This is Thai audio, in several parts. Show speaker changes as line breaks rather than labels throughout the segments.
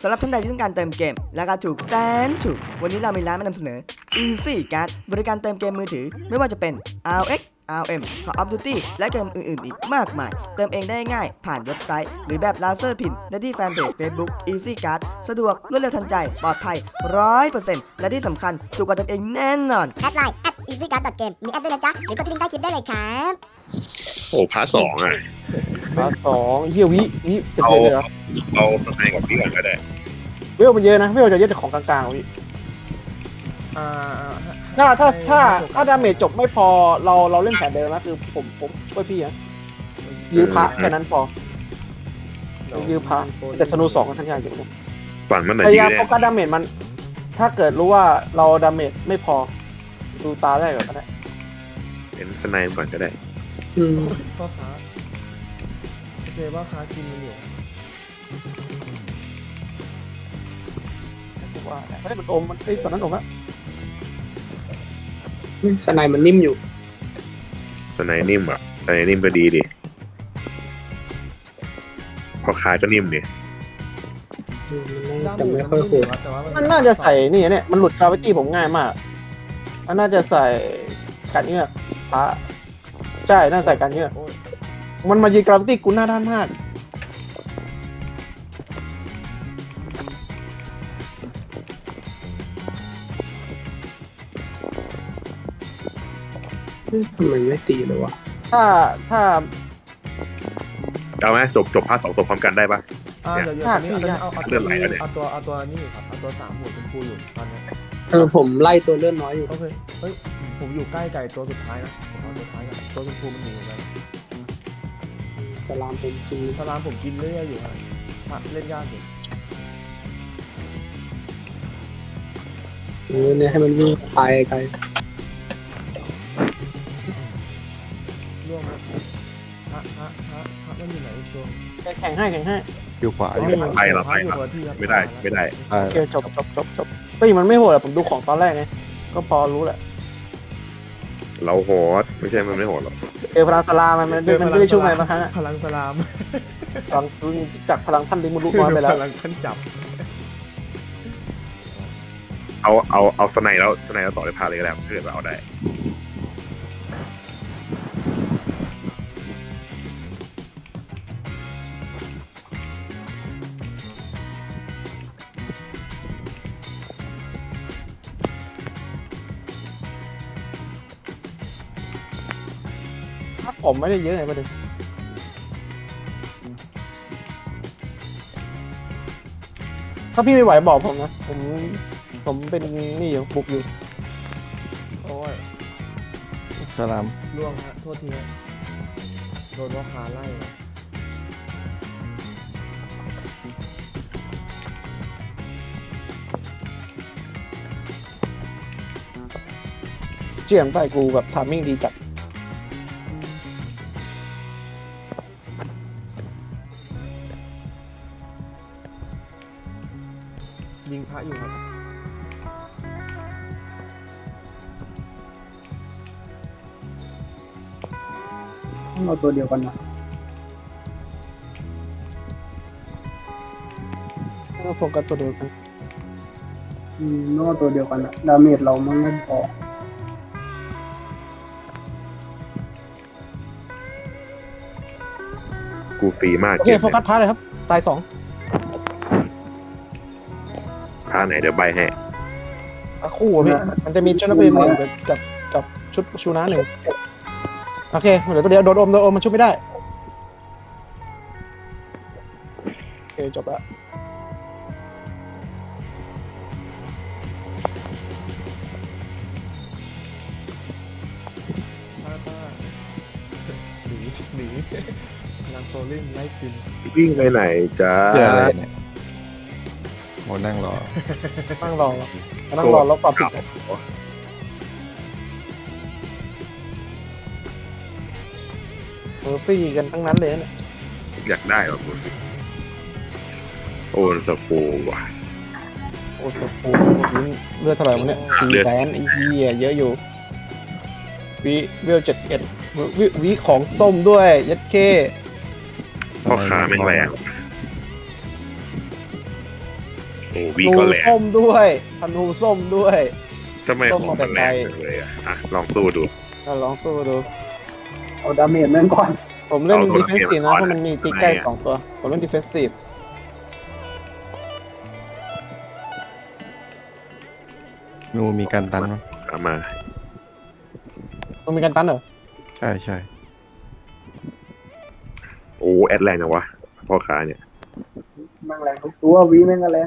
สำหรับท่านใดที่ต้องการเติมเกมราคาถูกแสนถูกวันนี้เรามีร้านมานำเสนอ Easy Card บริการเติมเกมมือถือไม่ว่าจะเป็น RX RM Call of Duty และเกมอื่นๆอีกมากมายเติมเองได้ง่ายผ่านเว็บไซต์หรือแบบลาเซอร์พินได้ที่แฟนเพจ Facebook Easy Card สะดวกรวดเร็วทันใจปลอดภัย 100% และที่สำคัญถูกกว่าเติมเองแน่นอน
แอดไลน์ @easycard.game มีแอดด้วยนะจ๊ะหรือกดที่ลิงก์ใต้คลิปได้เลยครับ
โอ้พาร์ทสองอ่ะ
พาร์ทสองเฮียวิจะ
เอา
เจอเลยเหรอ
เอาสไนกับพี่ก่อนก็ได้
เวลมันเยอะนะเวลจะเยอะแต่ของกลางๆวิถ้าดาเมจจบไม่พอเราเล่นแผนเดิมนะคือผมช่วยพี่นะยื้อพระแค่นั้นพอยื้อพระแต่ธนู2กันทั้งอย่างอยู่
ฝั่งมันไหน
พยา
ดี
ยาม
เนี่
โฟ
ย
กัสดาเมจมันถ้าเกิดรู้ว่าเราดาเมจไม่พอดูตาได้ก่อนก็ได้
เป็นสไนก่อนก็ได้
พ่อค้าโอเคว่าค้ากินมันอยู่
ว่าเฮ้ยมันอมมันตอนนั้นอมอะ
สไนมันนิ่มอยู่
สไนนิ่มอ่ะสไนนิ่มก็ดีดิพอคายก็นิ่มดิ
จะไม่ค่อยโหด
แต่ว่า
มันน่าจะใส่นี่เนี่ยมันหลุดกราวิตี้ผมง่ายมากมันน่าจะใส่การเงือกพระใช่น่าใส่การเงือก
โอ้ย
มันมายืนกราวิตี้กูหน้าด้านมาก
ทำไมไม่ตีเลยวะ
ถ้า
เอาไหมจบพาร์ทสองจบพร้อมกันได้ปะ
เดี๋ยวตอนนี้เอาตัวนี้เอาตัวนี่ครับเอาตัว3หัวชมพูอยู่ตอนนี้
ผมไล่ตัวเลื่อนน้อยอยู่
โอเคเฮ้ยผมอยู่ใกล้ไก่ตัวสุดท้ายนะผมเอาตัวท้ายกันตัวชมพูมันหนีไป
สลามผมจี
สลามผมกินเรื่อยอยู่ครับเล่นยากอยู่
เนี่ยให้มันวิ่งตายไกล
ร่วงฮะมันอยู่ไหนอีกตัว
แข่งให้
อยู่ขวา
ไปเราไปเราไม่ได้
โอเคจบเฮ้ยมันไม่โหดอะผมดูของตอนแรกไงก็พอรู้แหละ
เราโหดไม่ใช่มันไม่โหดหรอก
พลังสลามันไม่ได้ช่วยอะไรบางครั้ง
พลังสลาม
พลังจากพลังท่านลิงมันรู้น้อยไปแล้ว
พลังขั้นจับ
เอาสไนแล้วต่อเลยพาเลยก็ได้ถ้าเกิดเราเอาได้
ถ้าผมไม่ได้เยอะไงประเด็นถ้าพี่ไม่ไหวบอกผมนะผมเป็นนี่อยู่บุกอยู่
โอ้ย
สลาม
ล่วงฮะโทษทีฮะโดนว่าคาไล่นะ
เจียงไปกูแบบทามมิ่งดีจัด
ยิงพระอยู่ครับ
ต้องเอาตัวเดียวกันนะ
ก็โฟกัสตัวเดียวกัน
ต้องเอาตัวเดียวกันนะดาเมจเรามันไม่พอ
กูฟรีมาก
โอเคโฟกัสพาร์ทเลยครับตาย2
พาไหนเดี๋ยวใบให้
คู่อะพี่มันจะมีชุดนักเรียน1กับชุดชูน้า1โอเคเหลือตัวเดียวโดนอมมันชุบไม่ได้โอเคจบแล้ว
ป้าหนีนางโซลิ่งไล่กิน
วิ่งไปไหนจ้า
เพื่ออะไรเนี่ยโมนั่งรอ
นั่งรอแล้วปรับผิดฟรีกันทั้งนั้นเลยเนี่ย
อยากได้หรอกูสิโอ้สกูว่ะ
โอ้โหเลือดเท่าไหร่วะเนี่ย400,000ไอ้เหี้ยเยอะอยู่เวล71วิของส้มด้วยยัดเค
พ่อค้าแม่งแรงโอ้
ธ
วี
นู
ก็แรง
ส้มด้วยธนูส้มด้วย
ทำไมของมันแรงจังเลยอ่ะลองสู้ดู
เราลองสู้ดู
เอาดาเมจแม่งก่อน
ผมเล่น
เอาตัว
ดิเฟนซีฟนะ
เอา
เพ
ตัว
ราะมันมีตีใกล้
เอาตัว
2 ตัว ผมเล่นดิเฟนซีฟ
งูมีการตันมั้ง
เอามา
มันมีการตันเหรอ
ใช่ใช่
โอ้แอดแรงจังวะพ่อค้าเนี่ย
แม่งแรงทุกตัววีแม่งก็แรง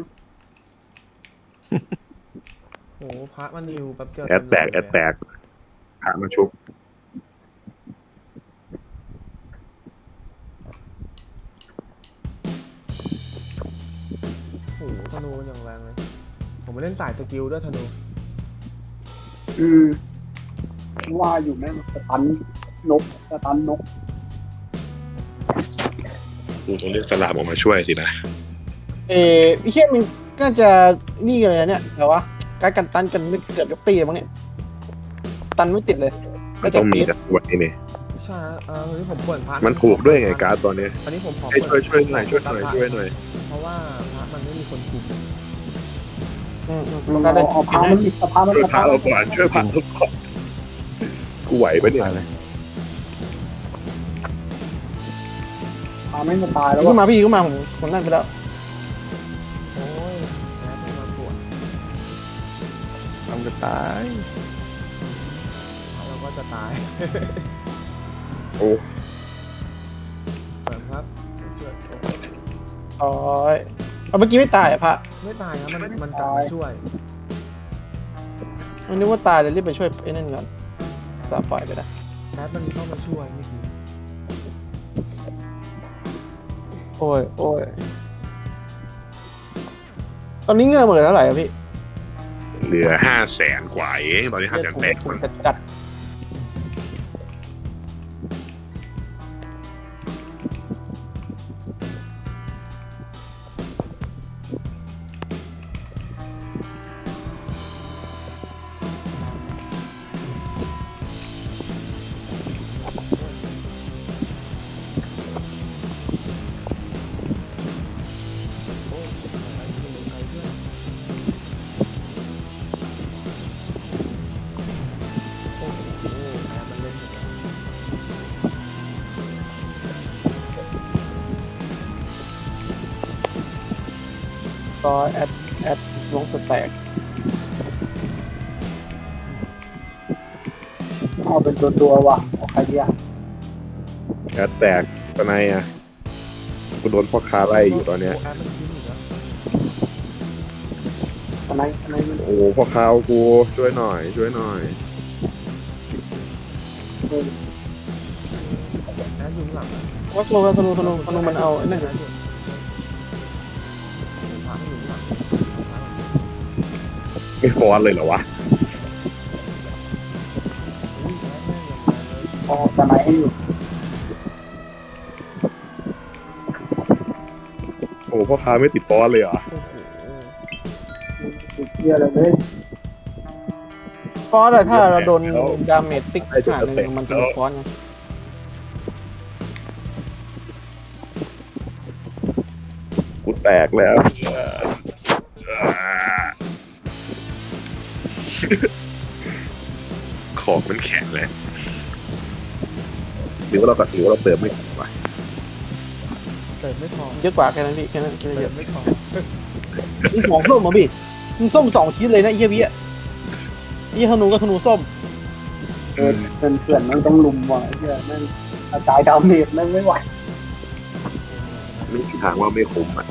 โอ้พระมันนิวแป๊บเดียว
แอดแตกพระมาชุบ
โอ้โหธนูมันอย่างแรงเลย ผมไปเล่นสายสกิลด้วยธนู
ว่าอยู่แม่งสตันนก
กูต้องเรียกสลามออกมาช่วยสินะ
พี่เชี่ยมันก็จะนี่กันเลยนะเนี่ยแต่ว่าการกันตันกันไม่เกือบยกตีเลยมั้งเนี่ยตันไม่ติดเลย
มันต้องมีแต่ตัวนี้นี่
ใช่วันนี้ผมเปิดพระ
มันถูกด้วยไงการ์ดตอนนี้
อันนี้ผมขอ
ให้
เปิด
ช่วยหน่อยช่วยหน่อย
เพราะว่าพระมันไม่มีคนคุม
มัน
ก็ได้
เอาพามันติดพามัน
ช่วยพระเราก่อนช่วยพระเราก่อนกูไหวปะเนี่ย
อะไร
พาแม่งจะตายแล้ว
ขึ้น
วะ
มาพี่ขึ้นมาผมนั่นไปแล้ว
โอ้ยแอดเป็นมาปวด
ทำจะตาย
เราก็จะตาย
โอ้
เปิดครับช่วย
อ๋อเอาเมื่อกี้ไม่ตายอ่ะพระ
ไม่ตายครับมันกลับมาช่วย
มันนึกว่าตายเลยรีบไปช่วยไอ้นั่นก่อนสาปล่อยไปได้
แอดมันเข้ามาช่วยเมื่อกี้
โอ้ยตอนนี้เงินหมดเลยเท่าไหร่อะพี่
เหลือ500,000 กว่าเองตอนนี้500,000
ผมจัด
โอ้ยอะไรที่มันใครด้วยโอ้โหแอดมันเล่นอยู่แล้ว
ก็แอดลงสแต็ก
เอาเป็นตัวว่ะเอาใครดีอ่ะ
แอดแตกตอนไหนอ่ะกูโดนพ่อค้าไล่อยู่ตอนเนี้ย
แอดมันทิ้งอีกแล้ว
ตอนไหนมัน
โอ้พ่อค้าเอากูช่วยหน่อย
แอดอยู่ข้างหลัง
ว่าธนูมันเอาไอ้นั่น
แอดอยู่พระมันอยู่ข้างหลัง
ไม่ฟอนเลยเหรอวะ
อุ้ยแอดแม่งอย่างแรงเลย
พอตอนไหนให้อยู่
โอ้พ่อค้าไม่ติดฟอนเลยเหรอ
โอ้โห
ติดเชี่ยเลย
ฟอสอะถ้าเราโดนดาเมจติ๊กขนาดนึงมันจะเป็นฟอสไง
กูแตกแล้ว ของมันแข็งเลยหรือว่าเราเติมไม่ถูกวะ
เติมไม่พอ
เยอะกว่าแค่นั้นพี่แค่นั้น
เติ
เย
ม
อะ
ไม่พอ
มึงของส้มมาพี่มึงส้ม2 ชิ้นเลยนะไอ้เหี้ยพี่อะไอ้เหี้ยธนูก็ธนูส้ม
เพื่อนมันต้องลุมว่ะไอ้เชี่ยแม่งกระจายดาเมจแม่งไม่ไหว
ไม่มีทางว่าไม่คุ้มอ่ะ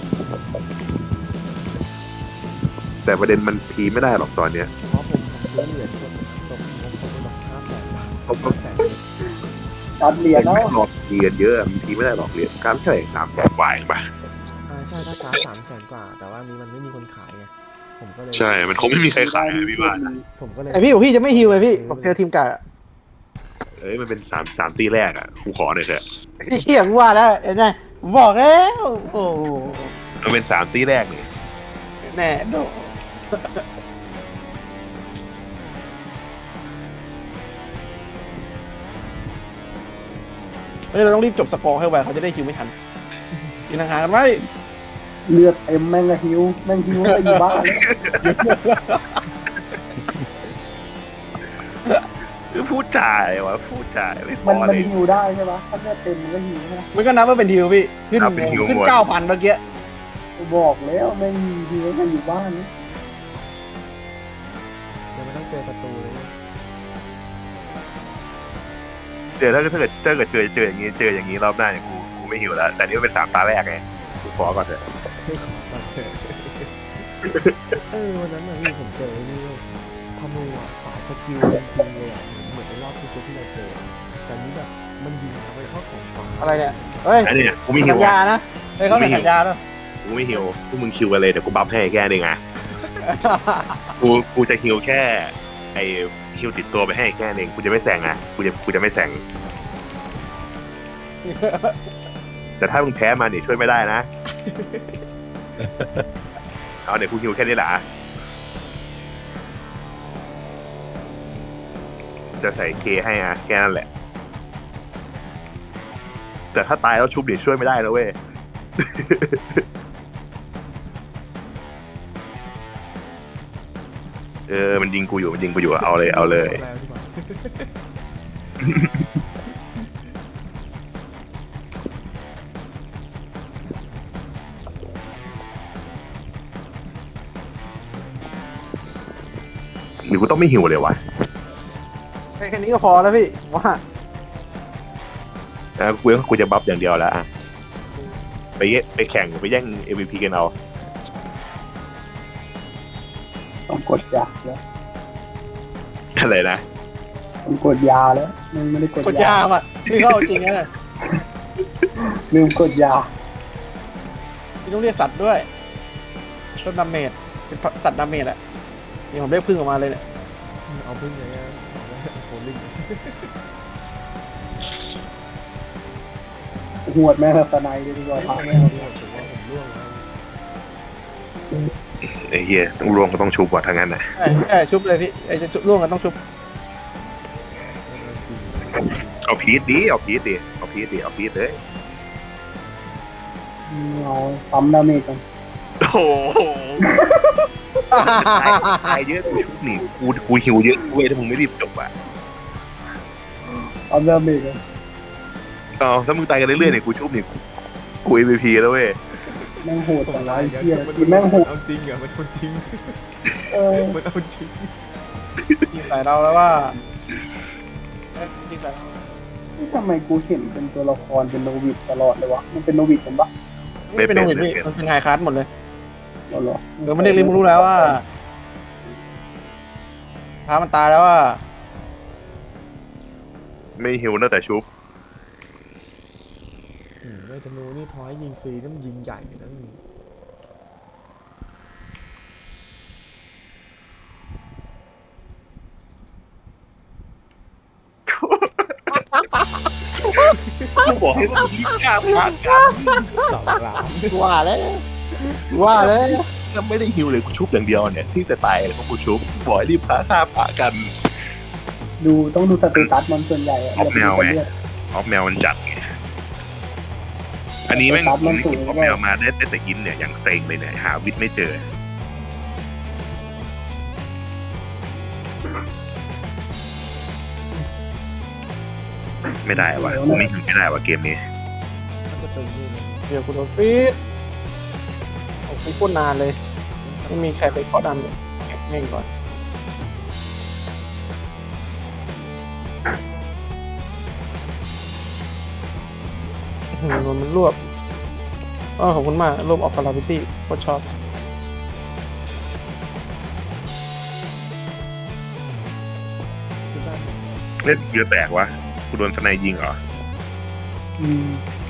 แต่ประเด็นมันพีไม่ได้หรอกตอนเนี้ย
เพราะผมซื้อเหรียญคนตกงบเขาไปแบบ500,000 บาท
เขาก็
500,000
จัดเหรียญแล้ว
ไม่หลอกพีกันเยอะมันพีไม่ได้หรอกเหรียญการเท่าไหร่300,000 กว่าเองป่ะ
ใช่ถ้าค้า300,000 กว่า แต่ว่านี้มันไม่มีคนขายไงผมก็เลย
ใช่ มันคงไม่มีใครขายอะพี่บ้าน
ผมก็เลย
ไอพี่บอกพี่จะไม่ฮิวเลยพี่บอกเจอทีมกาดอะ
เอ้ยมันเป็น3 ตีแรกอ่ะกูขอหน่อยเถอะ
ไอ้เหี้ยกูว่าแล้วเห็นไหมผมบอกแล้วโอ้โห
มันเป็น3 ตีแรกนี่
แน่โดเฮ้ยเราต้องรีบจบสกอร์ให้ไวเขาจะได้คิวไม่ทันกินอาหารกันไว้
เลือดเต็มแม่งก็หิวแม่งหิวไปอยู่บ้านแล้ว
พูดจ่ายวะพูดจ่ายไม่พ
มั
อน
มัน
เลย
หิวได้ใช่ปะถ้าเลือดเต็มมันก็หิวใช่ไหม
มันก็นับว่าเป็นฮิวพี่ขึ้น
นับเป็นฮิว
ขึ้น
หมด
9,000เมื่อกี้
บอกแล้วแม่งหิวไปอยู่บ้านนะ
ยังไม่ต้องเจอประตูเลย
เจอถ้าเกิดเจออย่างนี้รอบหน้าเนี่ยกูไม่หิวแล้ว แต่นี่มันเป็น3 ตาแรกไงกูขอก่อนเถอะ
วันนั้นน่ะพี่ผมเจอนี่ธนูอ่ะสายสกิลจริงๆเลยอ่ะเหมือนในรอบที่เราเจอแต่นี้แบบมันยิงไปเข้าของฝั่ง
อะไรเนี่ยเฮ้ย
อันนี้กูไม่หิ
สั
ว
ญญานะเฮ้ยเขาเป็นสัญญาด้วย
กูไม่หิวพวกมึงคิวกันเลยเดี๋ยวกูบัฟให้แค่นึงไงกูจะหิวแค่ไอ้ฮิวติดตัวไปให้แค่นึงกูจะไม่แซงอ่ะกูจะไม่แซงแต่ถ้ามึงแพ้มาเนี่ยช่วยไม่ได้นะ เอาเนี่ยกูหิวแค่นี้แหละจะใส่เคให้อ่ะแค่นั้นแหละ แต่ถ้าตายแล้วชุบเดี๋ยวช่วยไม่ได้นะเว้ย มันยิงกูอยู่เอาเลย
แล้วดีกว่า
หรือกูต้องไม่หิวเลยวะ
แค่นี้ก็พอแล้วพี่ว่า
กูจะบัฟอย่างเดียวแล้วอ่ะไปแข่งไปแย่ง MVP กันเอา
ต้องกดยาแล้ว
อะไรนะ
ต้องกดยาแล้วมันไม่ได้กด
กดยาอ่ะพี่เข้าจริงนะ
ลืมกดยา
พี่ต้องเรียกสัตว์ด้วยต้นดาเมจเป็นสัตว์ดาเมจอะนี่ผมเรียกพึ่งออกมาเลยเนี่ย
เอาพึ่งอย่างเงี้ยโคลิง
หวดแม่สไนเลยดีกว่าพาแม่
ผมว่าผมร่วงแล้ว
ไอ้เหี้ยต้องรวมก็ต้องชุบกว่าทั้งนั้นนะ
ใช่ชุบเลยพี่ไอ้จะชุบร่วงกันต้องชุบ
เอาพีทเลย
เอาปั๊มดาเมจกัน
โอ้โหตายเยอะกูชุบหนีกูหิวเยอะเว้ยถ้ามึงไม่รีบจบอ่ะ
ปั๊มดาเมจกัน
ถ้ามึงตายกันเรื่อยๆเนี่ยกูชุบหนีกู MVP แล้วเว้ย
แม่งโหดแต่ละไอ้เหี้ยคือแม่งโหด
เอาจริงเหรอมันเอาจริง มันเอาจริง
ยิงใส่เราแล้วว่ายิงใส่เรา
ทำไมกูเห็นเป็นตัวละครเป็นโนวิดตลอดเลยวะมันเป็นโนวิดกันปะ
ไม่เป็นโนวิดพี่มันเป็นไฮคลาสหมดเลย
เหรอ
เดี๋ยวมันเด็กริมรู้แล้วว่าพามันตายแล้วว่า
ไม่หิวนะแต่ชุบ
ไอ้ธนูนี่พอให้ยิงฟรีนั่นยิงใหญ่นะ
กูบอกให้มึงรีบกล้าพากัน
สองล้าน
ว่าแล้ว
ถ้าไม่ได้หิวเลยกูชุบอย่างเดียวเนี่ยที่จะตายเลยเพราะกูชุบบอกให้รีบพาฆ่าพากัน
ต้องดูสเตตัสมันส่วนใหญ่อะ
ออฟแนวไง ออฟแมวมันจัดไงอันนี้แม่งออฟแมวมาได้แต่ยินเนี่ยอย่างเซ็งเลยเนี่ยหาวิทย์ไม่เจอ ไม่ได้ว่ะกูไม่หิวไม่ได้ว่ะเกมนี้
มันจะตึงนี่เลย
เดี๋ยวคุณโดนฟีดโอ้โหโคตรนานเลยไม่มีใครไปเคาะดันเลยเง่งก่อนมันรวบขอบคุณมากรวบออกคาราบิตี้โคตรชอบ
เล่นเยอะแตกวะกูโดนสไนยิงเหรอ
อืม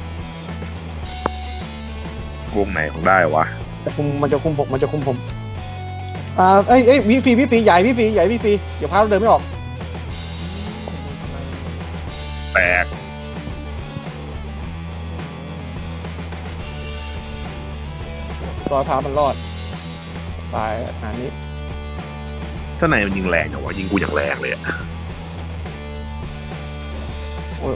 วงไหนของได้วะ
มันจะคุมผมพี่ฟีใหญ่พี่ฟีเดี๋ยวพาเราเดินไม่ออก
แตก
รอยพามันรอดตายอันนี้
สไนมันยิงแรงอย่างวะยิงกูอย่างแรงเลยอะ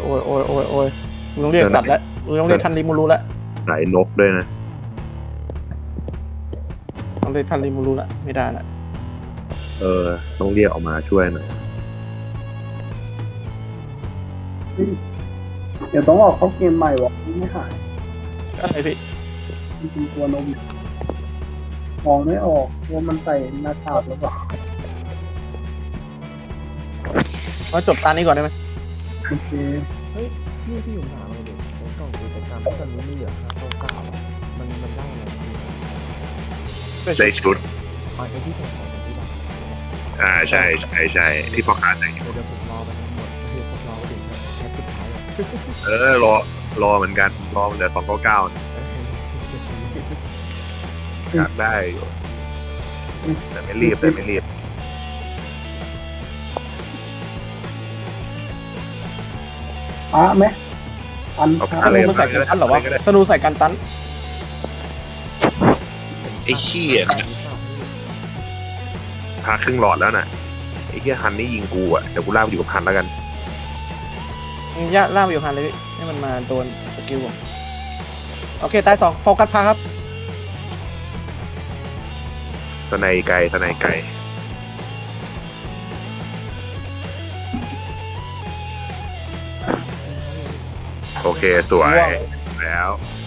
โอ้ยมึงต้องเรียกสัตว์แล้วมึงต้องเรียกทันริมูรู้แล้ว
สายนกด้วยนะ
ต้องเลยทันริมูรุละไม่ได้ละ
ต้องเรียกออกมาช่วยหน่อย
เดี๋ยวต้องออกเข้าเกมใหม่วะไม่หาย
อะไรพี่
จริงๆตัวนมมองไม่ออกว่ามันใส่หน้ากากหรือเปล่า
เราจบตานี้ก่อนได้ไหม
โอเค
เฮ้ยพี่ผมถามเลยเด็กในกล่องกิจกรรมที่ตอนนี้มีเหลือ599อะมันได้อะไรบ้าง
ได้ชุด
อ๋อไอ้ที่ใส่ของที่บ้าน
ใช่ที่พ่อค้าแต่ง
เดี๋ยวผมรอไปทั้งหมดคือผมรอไปถึงแค่สุดท้ายอะ
รอเหมือนกันรอเหลือ299อยากได้อยู่แต่ไม่รีบ
พระไหมอัน
เอา
พระ
พระ
ธนูมันใส่กันตันเหรอวะธนูใส่กันตัน
ไอ้ขี้ยพาครึ่งหลอดแล้วน่ะไอ้เหี้ยฮันนี่ยิงกูอ่ะเดี๋ยวกูลากไปอยู่กับฮันแล้วกัน
ย่าล่าไปอยู่หันเลยพี่ให้มันมาโดนสกิลผมโอเคตาย2โฟกัสพาครับ
สไนไกลโอเคสวยแล้ว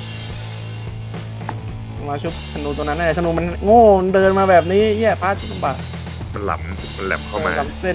มาชุบธนูตัวนั้นแน่ธนูมันโง่มันเดินมาแบบนี้แย่พาที่ลำบาก
มันแหลมเข้ามา
ลำเส้น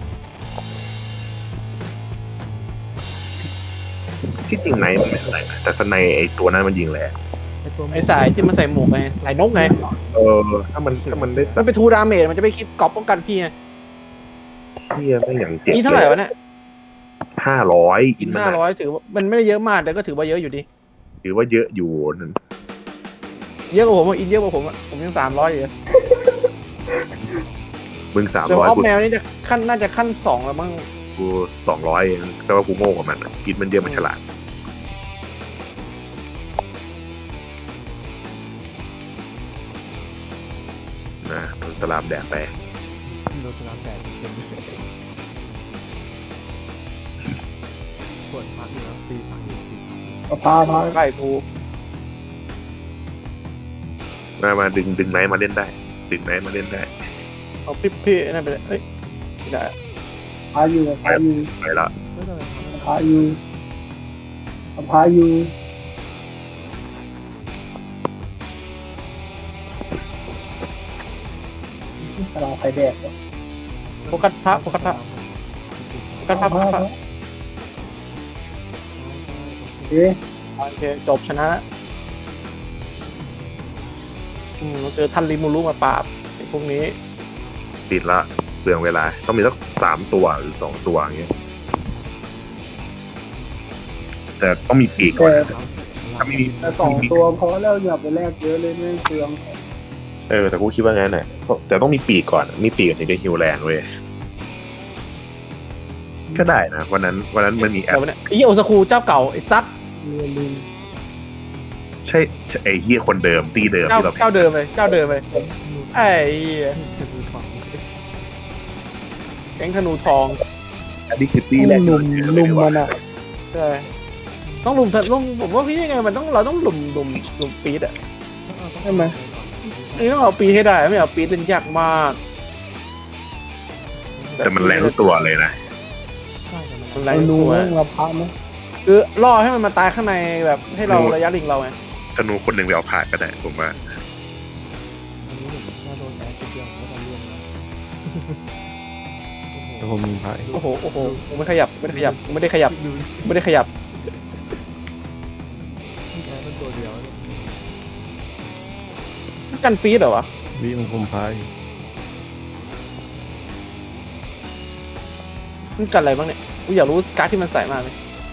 ที่จริงไนมันไม่เท่าไหร่นะแต่สไนไอ้ตัวนั้นมันยิงแรง
ไอ้สายที่มันใส่หมวกไงสายนกไง
ถ้ามันได้
มันเป็นทูดาเมจมันจะไม่คิดกรอบป้องกันพี่ไง
เหี้ยไม่อย่างเจ็บ
นี่เท่าไหร่วะเนี่ย
500อินมัน
500ถือว่ามันไม่ได้เยอะมากแต่ก็ถือว่าเยอะอยู่ดี
ถือว่าเยอะอยู่นั่น
เยอะกว่าผมอินเยอะกว่าผมผมยัง300อยู่
มึง
แต่ว่าออฟ
300
แมวนี่จะขั้นน่าจะขั้น2แล้วมั้ง
กู200เองแต่ว่ากูโง่กว่ามันอะกินมันเยอะมันฉลาดนะมันสลามแดกไป
โดนสลามแตกเป็นปวดพักอยู่แล้วตีพักอยู่
พา
ใกล้กู
มาดึงไนท์มาเล่นได้ดึงไนท์มาเล่นได้
เอาพี่นั่นไปเลยเฮ้ยไม่ได้
พาอยู่
ไปละ
ไม่ต้องไปทำ
พาอยู่ตลาดไฟแดกวะ
โฟกัสพระโฟกัสพระโฟกัสพระโฟกัสพระ
เอ๊ะ
โอเคจบชนะเราเจอทันริมูรุมาปราบไอ้พวกนี้
ติดละเปลืองเวลาต้องมีสัก3 ตัวหรือ2 ตัวอย่างเงี้ยแต่ต้องมีปีกก่อนนะถ้าไม่มี
แต่2 ตัวพอแล้วอย่าไปแลกเยอะเลยไม่เปลือง
แต่กูคิดว่างั้นแหละแต่ต้องมีปีกก่อนมีปีกถึงจะฮิวแรงเว้ยก็ได้นะวันนั้นมันมีแอ
แต่
ป
วันนี้ไอ้เหี้ยโอซากุเจ้าเก่าไอ้ซัด
ใช่ไอ้เฮียคนเดิมตีเดิมที่เรา
เจ้าเดิมเลยไอ้เหี้ยแก๊งธนูทอง
อันนี้คือตีแรก
ลุมมันอ่ะ
ใช่ต้องลุมผมว่าพี่ยังไงมันต้องเราต้องลุมปีดอ่ะ
ใช่ไหม
นี่ต้องเอาปีดให้ได้ไม่เอาปีดเล่นยากมาก
แต่มันแรงทุกตัวเลยนะ
มันแรง
ไอ้
ทุ
นู
กตัว
แม่งรับพระไหม
คือล่อให้มันมาตายข้างในแบบให้เราระยะลิงเราไง
ธนูคนหนึ่งไปเอาผ่านก็ได้ผมว่า
ถ้าโดนแอดเดียวก็จะเลี่ยงนะ
แต่ผมมีพาย
โอ้โหกูไม่ได้ขยับ
ดู
นี่แอดเป็นตัวเดียวกันฟีดเหรอวะ
วิมันคมพาย
มันกันอะไรบ้างเนี่ยกูอยากรู้การ์ดที่มันใส่มากเลย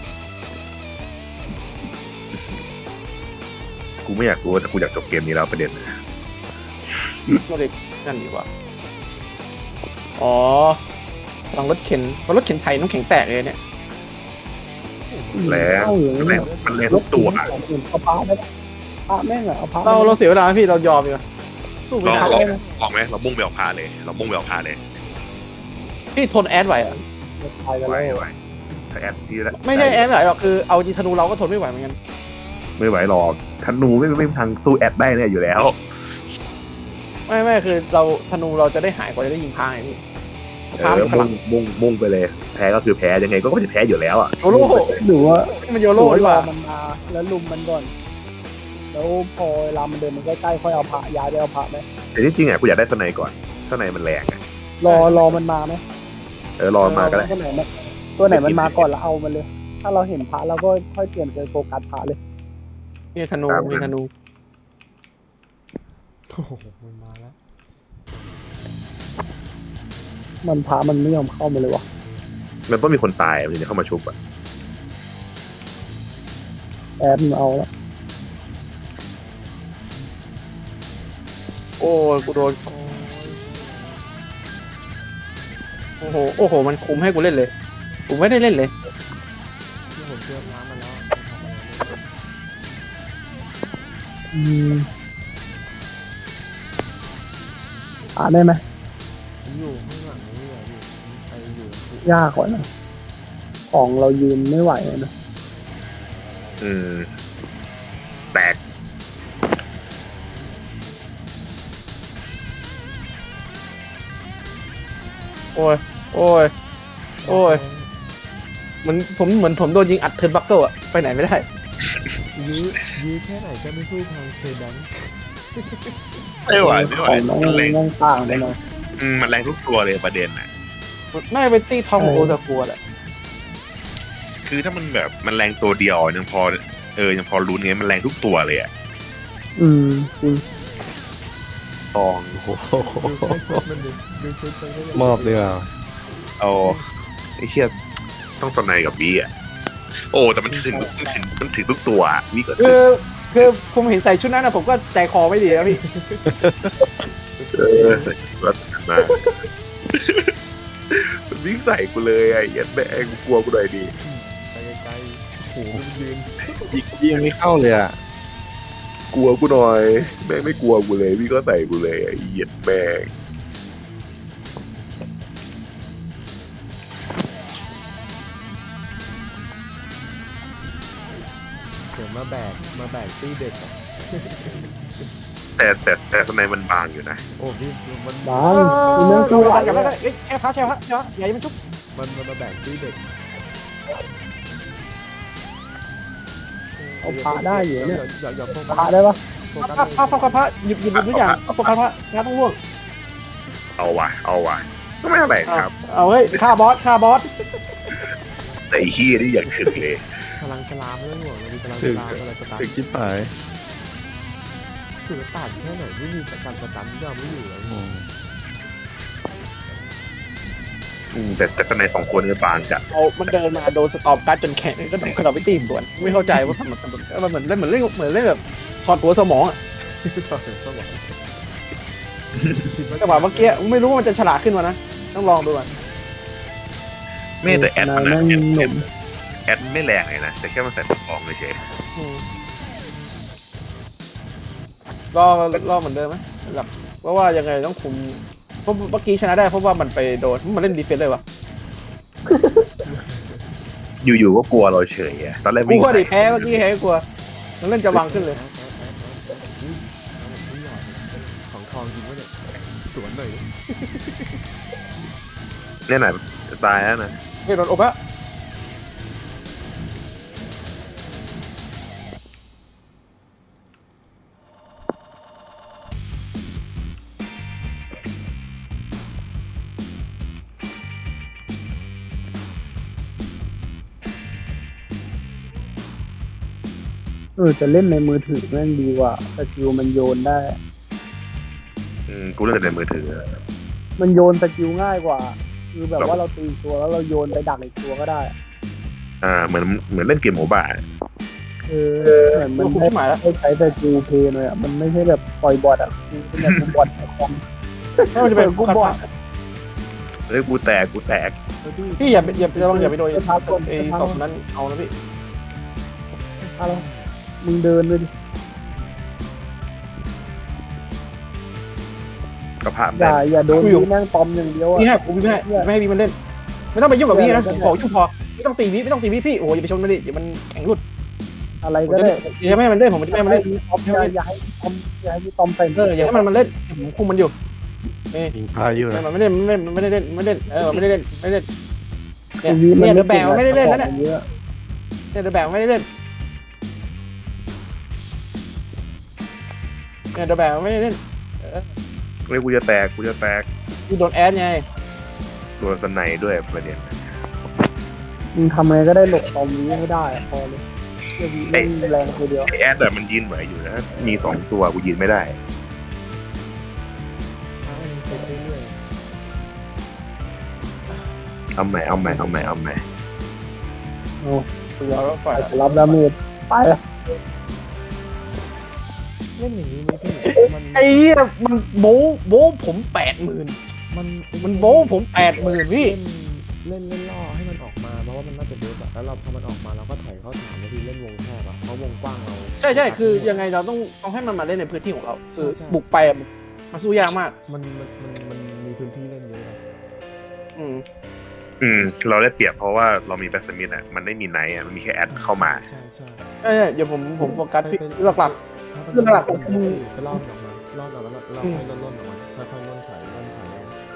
กูไม่อยากรู้แต่กูอยากจบเกมนี้แล้วประเด็น
ก็เลยนั่นดีกว่าอ๋อฟังรถเข็นไทยน้ำแข็งแตกเลยเนี่ย
แรง
เอาอยู่
แรงมันแรงทุกตัว
เอาพระได้พระแม่งเอาพระ
เราเสียเวลาพี่เรายอมดีกว่าสู้ไม่ได้
พอไหมเรามุ่งไปเอาพาเลย
พี่ทนแอดไหวอ่ะ
ตายกัน
ไหว
แล้ว
ไหวถ้าแอดที่
ไม่ใช่แอดไหวหรอกคือเอาจริงธนูเราก็ทนไม่ไหวเหมือนกัน
ไม่ไหวหรอกธนูไม่มีทางสู้แอดได้เนี่ยอยู่แล้ว
ไม่คือเราธนูเราจะได้หายกว่าจะได้ยิงพาไงพี่พามันพลัง
มุ่งไปเลย แพ้ก็คือแพ้ยังไงก็จะแพ้อยู่แล้วอ่ะ
โยโร่
หรือว่า
นี่มันโยโร่ดีก
รอ
ว่า
มันมาแล้วลุมมันก่อน แล้วพอเวลามันเดินมันใกล้ๆค่อยเอาพระย้ายไปเอาพระไหม
แต่ที่จริงอ่ะกูอยากได้สไนก่อนสไนมันแรงอ่ะ
รอมันมาไหม
รอมาก็ได้
ตัวไหนมันมาก่อนแล้วเอามันเลย ถ้าเราเห็นพระเราก็ค่อยเปลี่ยนไปโฟกัสพระเลย
นี่ธนูมีธนู
โอ้โหมันมาแล้ว
มันพระมันไม่ยอมเข้ามาเลยวะ
มันต้องมีคนตายมันถึงจะเข้ามาชุบอ่ะ
แอบมันเอาแล้ว
โอ้ยกูโดนโอ้โหมันคุมให้กูเล่นเลยกูไม่ได้เล่นเลย
ที่ผมเชื่อน้ำมาแล้ว
ได้ไหม
ผมอยู่ข้างหลังนี่เลยพี่ไปอยู่
ยากกว่านะของเรายืนไม่ไหวนะ
แตก
โอ้ยเหมือนผมโดนยิงอัดเทิร์นบัคเกิลอะไปไหนไม่ได้
ยื้อแค่ไหนก็ไม่สู้ทางเคแบงค์
ไม่ไหว
ของน้อง
มันแรง
น้องต่างไปหน่อย
มันแรงทุกตัวเลยประเด็นน่ะ
น่าจะเป็นตี้ทองโอตะกัวแหละ
คือถ้ามันแบบมันแรงตัวเดียวยังพอยังพอรู้ไงมันแรงทุกตัวเลยอ่ะ
จริง
ทอง
ดูชุดมันดูชุดมันก็ยัง
มอบดีกว่า
เอาไอ้เชี่ยต้องสไนกับวีอ่ะโอ้แต่มันถึงทุกตัววีก็
คือผมเห็นใส่ชุดนั้นนะผมก็ใจคอไม่ดีแล้วพี่
รัดมาวิ่งใส่กูเลยไอ้ยันแม่งกลัวกูหน่อยดิ
ไปไกลๆโอ้โหมันยืน
ยิงไม่เข้าเลยอ่ะ
กลัวกูหน่อยแม่งไม่กลัวกูเลยพี่ก็ใส่กูเลยไอ้เหี้ยแม่ง
เดี๋ยวมาแบกตี้เด็กอะ
แต่ข้างในมันบางอยู่นะ
โอ้พี่มัน
บางคุณเรื่อง
ดู
ตัว
กันกับแล้วก็แค่พักอย่าให้มันชุบ
มันมาแบกตี้เด็ก
เอาพระได้อยู่เนี่ย
อย่าโฟ
พ
กั
ระ
ส
ได้ปะ
โฟกัส
พระหยิบทุกอย่างโฟกัสพระงานต้องร่วง
เอาว่ะก็ไม่อะไรครับ
เอาเฮ้ยฆ่าบอส
แต่ไอ้เหี้ยนี่อย่างถึงเลย
พลังฉลามไม่ต้องห่วงเรามีพลังฉ
ถึง
ลามอะไรสตาร์
ถึงคิดหาย
สื่อต่างแค่ไหนไม่มีการสตันที่เราไม่อยู่แล้ว
แต่ข้างในสองคนก็บางจัด
เอามันเดินมาโดนสตอปการ์ดจนแข็งก็โดนกระโดดไปตีสวนไม่เข้าใจว่าทำมันเหมือนเล่นแบบถอดหัวสมองอะจังหวะเมื่อกี้ไม่รู้ว่ามันจะฉลาดขึ้นมานะต้องลองดูก่อน
ไม่แต่แอดมัน
นั่
นะ
งหนุ่ม
แอดไม่แรงเลยนะแต่แค่มันใส่ตัวฟองเลยเฉย
รอเหมือนเดิมไหมแบบเพราะว่ายังไงต้องคุมเพราะเมื่อกี้ชนะได้เพราะว่ามันไปโดนมันเล่นดีเฟนส์เลยวะ
อยู่ๆก็กลัวเราเฉยอะตอนแรก
กู
วิ่ง
ก็ดิแพ้เมื่อกี้แพ้กลัวมันเล่นจะวางขึ้นเลย
ของทองจริงวะเนี่ยสวนหน่อย
เนี่ยน่ะตายแล้วนะ
ไม่โดนอบอะ
จะเล่นในมือถือแม่งดีกว่าสกิลมันโยนได้
กูเล่นแต่ในมือถือ
มันโยนสกิลง่ายกว่า คือแบบว่าเราตีตัวแล้วเราโยนไปดักอีกตัวก็ได้
เหมือนเล่นเกมโมบ้า
เหมือนมัน
คุม
ไม่
ที่หมายแล้ว
ใช้สกิลเพย์เลยอ่ะมันไม่ใช่แบบปล่อยบอทอ่ะมันแบบบอทแบบคอม
ถ้ามันจะเป็นกูบอล
เฮ้ยกูแตก
พี่อย่าไปโดนไอ้สองนั้นเอานะพี่
อะไรมึงเดินเลยดิ
กระพะ
อย่าโดนนี่แม่งปอมอย่างเดียวอ่ะ
พี่ให้กูไม่ให้พี่มันเล่นไม่ต้องไปยุ่งกับพี่นะผมขอยุ่งพอไม่ต้องตีพี่พี่โอ้ยอย่าไปชนมันดิเดี๋ยวมันแข็งรุด
อะไร
ผม
ก็
จะ
ได้
อย่าให้มันเล่นผมจะไม่ให้มันเล่น
อย่าให้ตอมอย่าให้ตอมเต็ม
อย่าให้มันเล่นผมคุมมันอยู่
ยิงพายุนะ
มันไม่เล่นไม่ได้เล่นไม่เล่นไม่ได้เล่นเนี่ยเดอะแบกไม่ได้เล่นแล้วเนี่ย
เยอะ
เนี่ยเดอะแบกไม่ได้เล่นเนี่ยเดอะแบกไม่ได้เล่น
เฮ้ยกูจะแตก
ที่โดนแอดไง
โดนสไนด้วยประเด็น
มึงทำอะไรก็ได้หลบตอมนี้ให้ได้พอเลยเล่นแรงคนเดียว
ไอแอดแต่มันยืนไหวอยู่นะมี2ตัวกูยืนไม่ได้ เอาใหม่
โอ้ย
เราก็ฝ่าย
รับดาเมจไป
เล่นอย่างนี้ไหมพี่มัน
ไอ้เหี้ยมันโบ้ผม80,000มันโบ้ผม80,000พี่
เล่นล่อให้มันออกมาเพราะว่ามันน่าจะเดฟอะแล้วเราพอมันออกมาเราก็ถอยเข้าฐานแล้วพี่เล่นวงแคบอะเพราะวงกว้างเรา
ใช่คือยังไงเราต้องให้มันมาเล่นในพื้นที่ของเราคือบุกไปมันสู้ยากมาก
มันมีพื้นที่เล่นเยอะอะ
เราได้เปรียบเพราะว่าเรามีแบสมิธอ่ะมันไม่มีไนท์อ่ะมันมีแค่แอดเข้ามา
ใช่
ใช่เดี๋ยวผมโฟกัสพี่หลัก เรื่องหลักผม
ไปล่อมันออกมาล่อเราแล้วเราค่อยล่นออกมาค่อยๆล่นถอยล่นถอย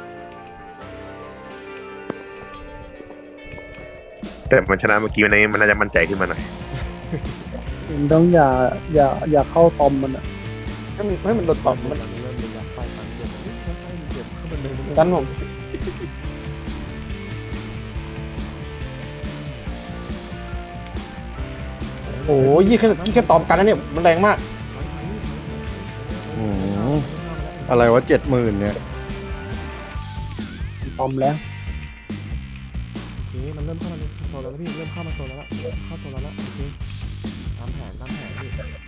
แต่มันชนะเมื่อกี้มันน่าจะมั่นใจขึ้นมาหน่อย
มึงต้องอย่าเข้าตอมมันอ่ะ
ๆให้มันโดดตอบมัน
เริ่มระยะไปตันเจ็บเจ็บเข้ามาเลย
ดันผมโอ้ยยี่แค่ตอบกันนะเนี่ยมันแรงมาก
อะไรวะ70,000เนี่ย
ตอมแล้ว
โอเคมันเริ่มเข้ามาในโซนแล้วพี่เริ่มเข้ามาโซนแล้วเข้าโซนแล้วโอเคตามแผนพี่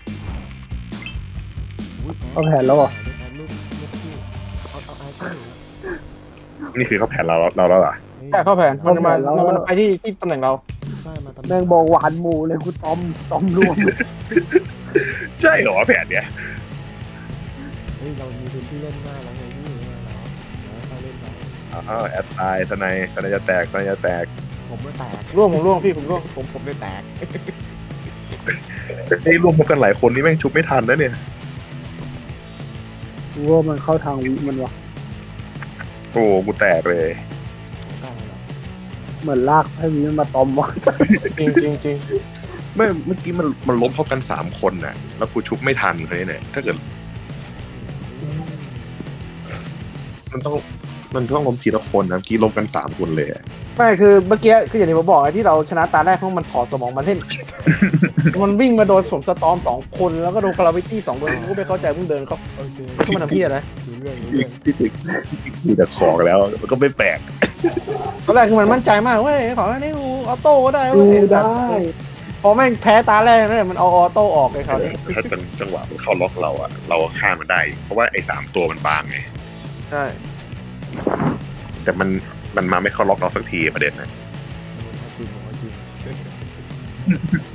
เอาแผนแล้วเหรอ
แอดลูกพี่เอาไอ้ช่วย
นี่คือเขาแผนเราแล้วเหรอ
ใช่เข้าแผนมันไปที่ตำแหน่งเรา
ใช่มาตำ
แม่งบอกหวานหมูเลยกูตอมรวม
ใช่เหรอแผนเนี้ย
เฮ้ยเรามีพื้นที่เล่นมากแล้วไงพี่แล้วไปเล่นไป
แอดตายสไนจะแตก
ผมไม่แตก
ร่วงพี่ผมร่วง
ผมไม่แตก
ไอ้รวมกันหลายคนนี่แม่งชุบไม่ทันนะเนี่ย
กูว่ามันเข้าทางวิมันวะ
โอ้กูแตกเลย
เหมือนลากให้วิมันมาตอมวะ
จริง
ไม่เมื่อกี้มันล้มเท่ากัน3 คนน่ะแล้วกูชุบไม่ทันคนนี้เนี่ยถ้าเกิดมันต้องล้มทีละคนนะเมื่อกี้ล้มกัน3 คนเลย
ไม่คือเมื่อกี้คืออย่างที่ผมบอกไอ้ที่เราชนะตาแรกเพราะมันถอดสมองมาเล่น มันวิ่งมาโดนผมสตอม2 คนแล้วก็โดนคาราวิตี้2 คนกูไม่เข้าใจเพิ่งเดินเขา
โอเค
ขึ้นมาทำพี่อะไร
รู้เรื่อง
ที่กูจะของแล้วมันก็ไม่แปลก
ตอนแรกคือมันมั่นใจมากเว้ยของอันนี้กูออโต้ก็ได้
ดู
เว้ย
ได้
พอแม่งแพ้ตาแรกนั่นแหละมันเอาออโต้ออกเลยคราวนี้
ถ้าเป็นจังหวะมันเข้าล็อกเราอะเราฆ่ามันได้ เพราะว่าไอ้3 ตัวมันบางไง
ใช่
แต่มันมาไม่เข้าล็อกเราสักทีประเด็นนะ
จริงจริง